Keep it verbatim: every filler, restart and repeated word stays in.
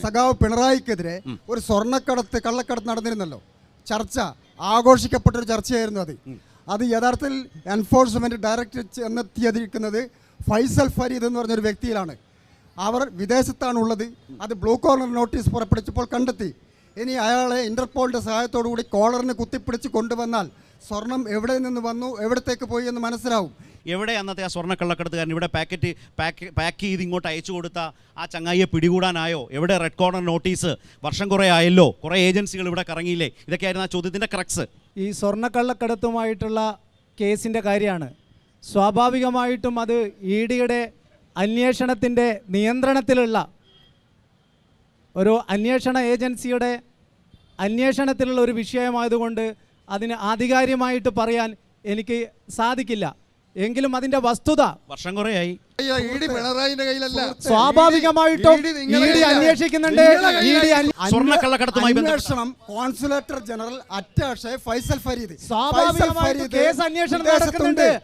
സഖാവ് പിണറായിക്കെതിരെ ഒരു സ്വർണ്ണക്കടത്ത് കള്ളക്കടത്ത് നടന്നിരുന്നല്ലോ. ചർച്ച ആഘോഷിക്കപ്പെട്ടൊരു ചർച്ചയായിരുന്നു അത്. അത് യഥാർത്ഥത്തിൽ എൻഫോഴ്സ്മെന്റ് ഡയറക്ടർ ചെന്നെത്തിയിരിക്കുന്നത് ഫൈസൽ ഫരീദ് എന്ന് പറഞ്ഞൊരു വ്യക്തിയിലാണ്. അവർ വിദേശത്താണുള്ളത്. അത് ബ്ലൂ കോളർ നോട്ടീസ് പുറപ്പെടുവിച്ചപ്പോൾ കണ്ടെത്തി. ഇനി അയാളെ ഇന്റർപോളിന്റെ സഹായത്തോടു കൂടി കോളറിന് കുത്തിപ്പിടിച്ച് കൊണ്ടുവന്നാൽ സ്വർണം എവിടെ നിന്ന് വന്നു, എവിടത്തേക്ക് പോയി എന്ന് മനസ്സിലാവും. എവിടെ അന്നത്തെ ആ സ്വർണ്ണ കള്ളക്കടത്തുകാരൻ ഇവിടെ പാക്കറ്റ് പാക്ക് പാക്ക് ചെയ്ത് ഇങ്ങോട്ട് അയച്ചു കൊടുത്ത ആ ചങ്ങായിയെ പിടികൂടാനായോ? എവിടെ റെഡ് കോർണർ നോട്ടീസ്? വർഷം കുറേ ആയല്ലോ, കുറേ ഏജൻസികൾ ഇവിടെ കറങ്ങിയില്ലേ? ഇതൊക്കെയായിരുന്നു ആ ചോദ്യത്തിൻ്റെ ക്രക്സ്. ഈ സ്വർണ്ണക്കള്ളക്കടത്തുമായിട്ടുള്ള കേസിൻ്റെ കാര്യമാണ്. സ്വാഭാവികമായിട്ടും അത് ഇ ഡിയുടെ അന്വേഷണത്തിൻ്റെ നിയന്ത്രണത്തിലുള്ള ഒരു അന്വേഷണ ഏജൻസിയുടെ അന്വേഷണത്തിലുള്ള ഒരു വിഷയമായതുകൊണ്ട് അതിന് ആധികാരികമായിട്ട് പറയാൻ എനിക്ക് സാധിക്കില്ല. എങ്കിലും അതിന്റെ വസ്തുത വർഷം കുറേയായി സ്വാഭാവികമായിട്ടും ഇ ഡി അന്വേഷിക്കുന്നുണ്ട്. അന്വേഷണം consulate general attache Faisal Fareed സ്വാഭാവികമായിട്ടും കേസ് അന്വേഷണം നടക്കുന്നുണ്ട്.